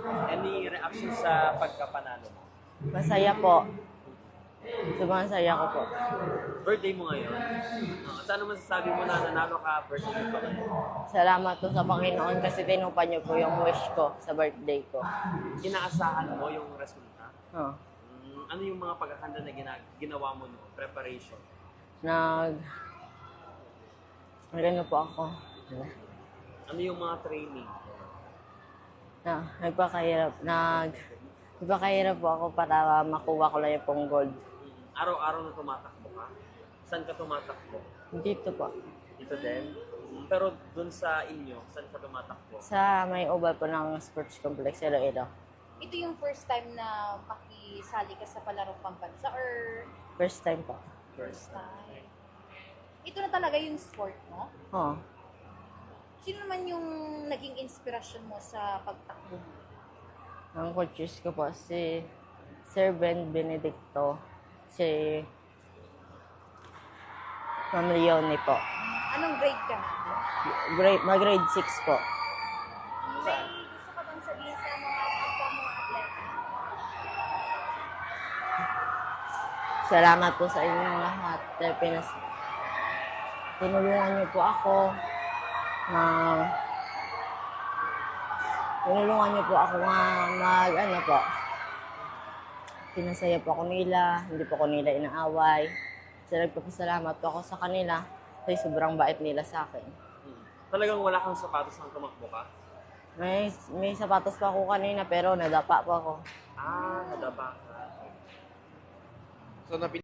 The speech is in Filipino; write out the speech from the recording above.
Any reaction sa pagkapanalo mo? Masaya po. Sobrang saya ko po. Birthday mo ngayon. Saan masasabi mo na nanalo ka, birthday mo pa ngayon? Salamat po sa Panginoon kasi tinupad niyo po yung wish ko sa birthday ko. Inaasahan mo yung resulta? Oh. Ano yung mga paghahanda na ginawa mo no? Preparation? Ano po ako? Ano yung mga training? Nagpakahirap po ako para makuha ko lang yung pong gold. Araw-araw na tumatakbo ka? Saan ka tumatakbo? Dito po. Dito din? Pero dun sa inyo, saan ka tumatakbo? Sa may oval po ng sports complex, Iloilo. Ito yung first time na makisali ka sa palarong pambansa or First time po. first time? Ito na talaga yung sport mo? Oh. Sino naman yung naging inspirasyon mo sa pagtakbo mo? Ang coaches ko po si Sir Ben Benedicto, si Ma'am Leonie po. Anong grade ka na? Grade 6 po. May gusto ka bang sabihin sa mga kapwa mo atleta? Salamat po sa inyong lahat. Tinulungan niyo po ako na pinasaya po ako nila, hindi po ako nila inaaway. So, nagpapasalamat po ako sa kanila kasi sobrang bait nila sa akin. Talagang wala kang sapatos nang tumakbo ka? May sapatos pa ako kanina pero nadapa po ako. Nadaba ka. So,